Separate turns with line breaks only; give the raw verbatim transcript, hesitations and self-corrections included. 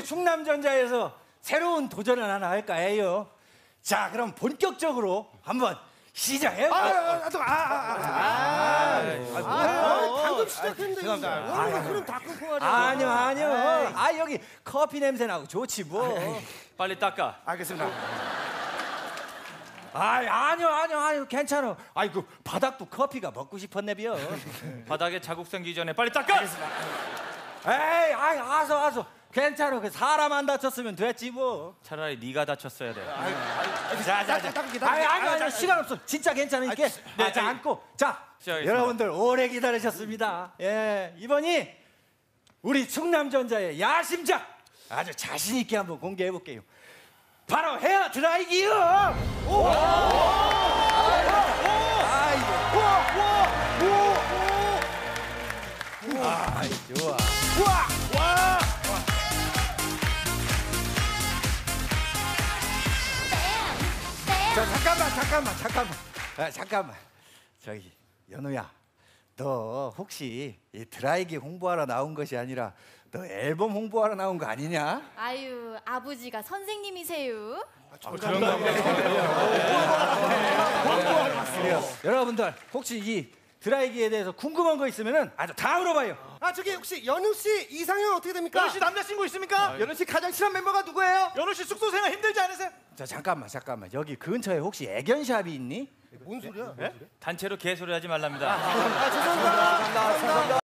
충남전자에서 새로운 도전을 하나 할까 해요. 자, 그럼 본격적으로 한번 시작해요.
아, 아, 아, 아, 아, 아, 방금 시작했는데 그럼 다 끊고 하자.
아니요, 아니요. 아, 여기 커피 냄새 나고 좋지 뭐.
빨리 닦아.
알겠습니다.
아, 아니요, 아니요, 아니요, 괜찮아. 아이고, 바닥도 커피가 먹고 싶었네비요.
바닥에 자국 생기기 전에 빨리 닦아.
에이, 아이, 아서, 아서. 괜찮아. 그 사람 안 다쳤으면 됐지 뭐.
차라리 네가 다쳤어야 돼.
자, 자, 자. 아니, 아니, 아니, 시간 없어. 진짜 괜찮으니까. 네, 자, 앉고. 자,
시작하겠습니다.
여러분들 오래 기다리셨습니다. 예, 이번이 우리 충남전자의 야심작 아주 자신 있게 한번 공개해 볼게요. 바로 헤어 드라이기요. 오! 오! 아이고. 오! 오! 오! 아, 좋아. 우와! 와! 자, 잠깐만, 잠깐만, 잠깐만. 아, 잠깐만. 저기 연우야, 너 혹시 이 드라이기 홍보하러 나온 것이 아니라 너 앨범 홍보하러 나온 거 아니냐?
아유, 아버지가 선생님이세요.
그런가 보다. 여러분들 혹시 이 드라이기에 대해서 궁금한 거 있으면은 아주 다 물어봐요.
아, 저기 혹시 연우 씨 이상형 어떻게 됩니까?
연우 씨 남자친구 있습니까? 연우 씨 가장 친한 멤버가 누구예요? 연우 씨 숙소 생활 힘들지 않으세요?
자, 잠깐만, 잠깐만. 여기 근처에 혹시 애견샵이 있니?
뭔 소리야?
단체로 개소리 하지 말랍니다.
아, 죄송합니다.